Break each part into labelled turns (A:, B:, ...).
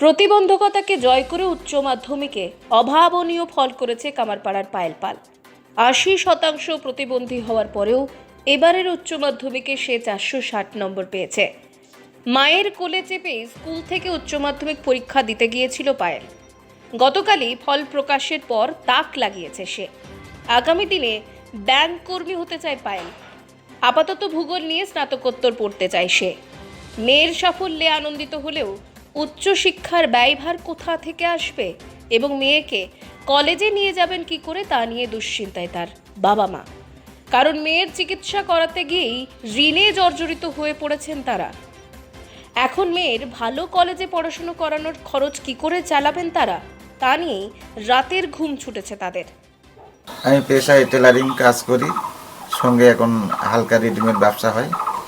A: প্রতিবন্ধকতাকে জয় করে উচ্চ মাধ্যমিকে অভাবনীয় ফল করেছে কামারপাড়ার পায়েল পাল। ৮০% প্রতিবন্ধী হওয়ার পরেও এবারের উচ্চ মাধ্যমিকে সে ৪৬০ নম্বর পেয়েছে। মায়ের কোলে চেপে স্কুল থেকে উচ্চ মাধ্যমিক পরীক্ষা দিতে গিয়েছিল পায়েল। গতকালই ফল প্রকাশের পর তাক লাগিয়েছে সে। আগামী দিনে ব্যাংক কর্মী হতে চায় পায়েল। আপাতত ভূগোল নিয়ে স্নাতকোত্তর পড়তে চায় সে। মেয়ের সাফল্যে আনন্দিত হলেও উচ্চশিক্ষার ব্যয়ভার কোথা থেকে আসবে এবং মেয়েকে কলেজে নিয়ে যাবেন কি করে তা নিয়ে দুশ্চিন্তায় তার বাবা মা। কারণ মেয়ের চিকিৎসা করাতে গিয়েই ঋণে জর্জরিত হয়ে পড়েছেন তারা। এখন মেয়ের ভালো কলেজে পড়াশুনো করানোর খরচ কি করে চালাবেন তারা, তা নিয়েই রাতের ঘুম ছুটেছে তাদের।
B: আমি পেশায় টেলারিং কাজ করি, সঙ্গে এখন হালকা রেডিমেড ব্যবসা হয়।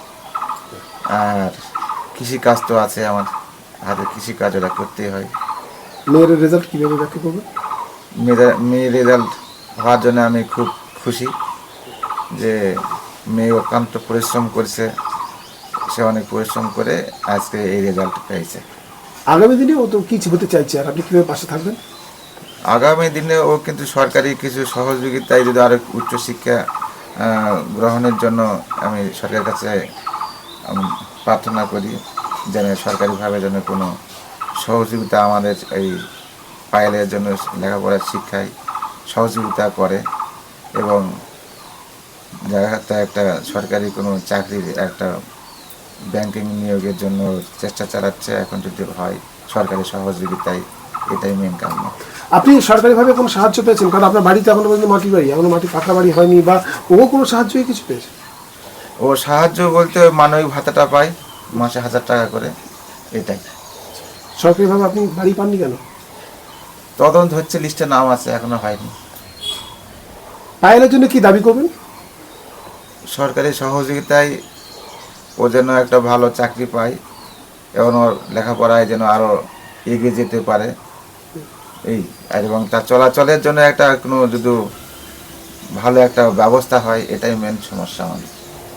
B: আর কৃষি কাজ তো আছে, আমার হাতে কৃষি কাজ ওরা করতেই হয়।
C: মেয়ের রেজাল্ট কীভাবে ব্যাখ্যা করবে?
B: মেয়ের রেজাল্ট হওয়ার জন্য আমি খুব খুশি যে মেয়ে অক্লান্ত পরিশ্রম করেছে, সে অনেক পরিশ্রম করে আজকে এই রেজাল্ট পেয়েছে।
C: আগামী দিনে ও তো কিছু হতে চাইছে, আর আপনি কীভাবে পাশে থাকবেন?
B: আগামী দিনে ও কিন্তু সরকারি কিছু সহযোগিতায় যদি আরও উচ্চশিক্ষা গ্রহণের জন্য আমি সরকারের কাছে প্রার্থনা করি যেন সরকারিভাবে যেন কোনো সহযোগিতা আমাদের এই পায়েলের জন্য লেখাপড়ার শিক্ষায় সহযোগিতা করে এবং জায়গাতে একটা সরকারি কোনো চাকরির একটা ব্যাংকিং নিয়োগের জন্য চেষ্টা চালাচ্ছে। এখন যদি হয় সরকারি সহযোগিতায়, এটাই মেন কারণ।
C: আপনি সরকারিভাবে কোনো সাহায্য পেয়েছেন? কারণ আপনার বাড়িতে এখনো পর্যন্ত মাটির বাড়ি, এখনো মাটি পাকা বাড়ি হয়নি, বা ও কোনো সাহায্যই কিছু পেয়েছে?
B: ও সাহায্য বলতে মানবিক ভাতাটা পায় মাসে 1000 টাকা করে, এটাই।
C: সরকারিভাবে আপনি বাড়ি পাননি কেন?
B: তদন্ত হচ্ছে, লিস্টে নাম আছে, এখনো হয়নি।
C: পায়েলের জন্য কি দাবি করবেন?
B: সরকারি সহযোগিতায় ও যেন একটা ভালো চাকরি পায় এবং ওর লেখাপড়ায় যেন আরও এগিয়ে যেতে পারে এই, এবং তার চলাচলের জন্য একটা কোনো যদি ভালো একটা ব্যবস্থা হয়, এটাই মেন সমস্যা আমাদের।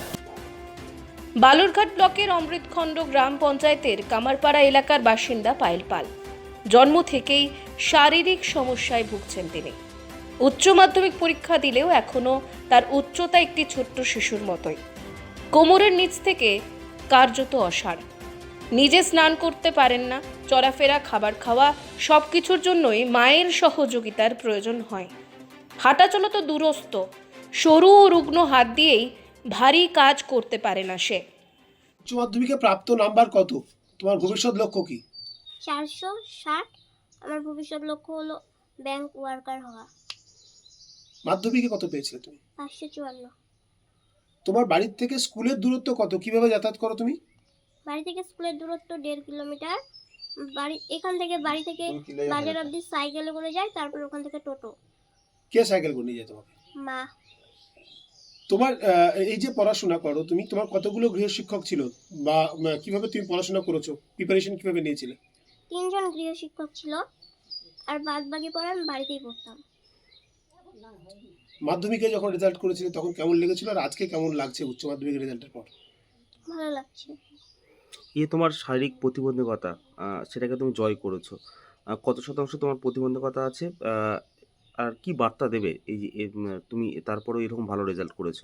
A: বালুরঘাট ব্লকের অমৃতখণ্ড গ্রাম পঞ্চায়েতের কামারপাড়া এলাকার বাসিন্দা পায়েল পাল। জন্ম থেকেই শারীরিক সমস্যায় ভুগছেন তিনি। উচ্চ মাধ্যমিক পরীক্ষা দিলেও এখনও তার উচ্চতা একটি ছোট্ট শিশুর মতোই। কোমরের নিচ থেকে কার্যত অসাড়। নিজে স্নান করতে পারেন না, চলাফেরা, খাবার খাওয়া সব কিছুর জন্যই মায়ের সহযোগিতার প্রয়োজন হয়। হাঁটাচলা তো দূরস্থ, সরু ও রুগ্ন হাত দিয়েই ভারী কাজ করতে পারে না সে।
C: উচ্চ মাধ্যমিকে প্রাপ্ত নাম্বার কত? তোমার ভবিষ্যৎ লক্ষ্য কি?
D: 460। আমার ভবিষ্যৎ লক্ষ্য হলো ব্যাংক ওয়ার্কার হওয়া।
C: মাধ্যমিকে কত পেয়েছিলে তুমি?
D: 554।
C: তোমার বাড়ির থেকে স্কুলের দূরত্ব কত? কিভাবে যাতায়াত করো তুমি?
D: বাড়ি থেকে স্কুলের দূরত্ব 1.5 কিলোমিটার। এখান থেকে বাড়ি থেকে বাজার অবধি সাইকেলে করে যাই, তারপর ওখান থেকে টোটো।
C: কে সাইকেল করে নিয়ে যায় তোমাকে?
D: মা।
C: তোমার এই যে পড়াশোনা করো তুমি, তোমার কতগুলো গৃহশিক্ষক ছিল, বা কিভাবে তুমি পড়াশোনা করেছো, প্রিপারেশন কিভাবে নিয়েছিলে?
D: 3 জন গৃহশিক্ষক ছিল, আর বাদ বাকি পড়া আমি বাড়িতেই পড়তাম।
C: মাধ্যমিকে যখন রেজাল্ট করেছিলে তখন কেমন লেগেছিল, আর আজকে কেমন লাগছে উচ্চ মাধ্যমিকের রেজাল্টের পর?
D: ভালো লাগছে।
E: তোমার শারীরিক প্রতিবন্ধকতা, সেটাকে তুমি জয় করেছো। কত শতাংশ তোমার প্রতিবন্ধকতা আছে, আর কি বার্তা দেবে এই যে তুমি তারপরেও এরকম ভালো রেজাল্ট করেছো?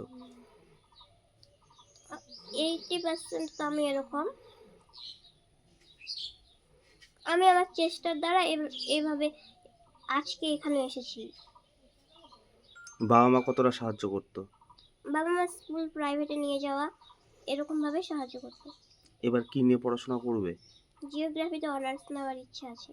D: 80% তো আমি এরকম। আমি আমার চেষ্টার দ্বারা এইভাবে আজকে এখানে এসেছি।
E: বাবা মা কতটা সাহায্য করতো?
D: বাবা মা স্কুল প্রাইভেটে নিয়ে যাওয়া, এরকম ভাবে সাহায্য করতো।
E: এবার কি নিয়ে পড়াশোনা করবে?
D: জিওগ্রাফিতে অনার্স নেওয়ার ইচ্ছা আছে।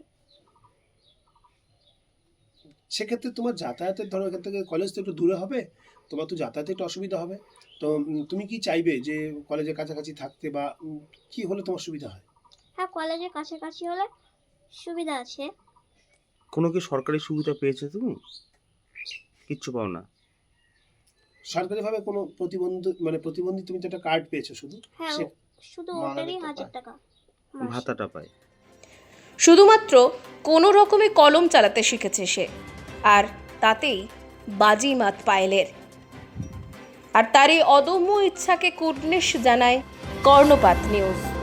C: সেক্ষেত্রে তোমার যাতায়াতের, ধরো এখান থেকে কলেজ তো একটু দূরে হবে, তোমার তো যাতায়াতে একটু অসুবিধা হবে। তো তুমি কি চাইবে যে কলেজের কাছাকাছি থাকতে, বা কি হলে তোমার সুবিধা হয়?
D: হ্যাঁ, কলেজের কাছাকাছি হলে সুবিধা আছে।
E: কোনো কি সরকারি সুবিধা পেয়েছো তুমি? কিচ্ছু পাও না?
C: সরকারিভাবে কোনো প্রতিবন্ধী তুমি তো একটা কার্ড পেয়েছো শুধু?
D: হ্যাঁ, শুধু ওটারই 1000 টাকা মাসে।
E: ভাতাটা পায়।
A: শুধুমাত্র কোনো রকমে কলম চালাতে শিখেছে সে, আর তাতেই বাজিমাত পায়েলের। আর তার এই অদম্য ইচ্ছাকে কুর্নিশ জানায় কর্ণপাত নিউজ।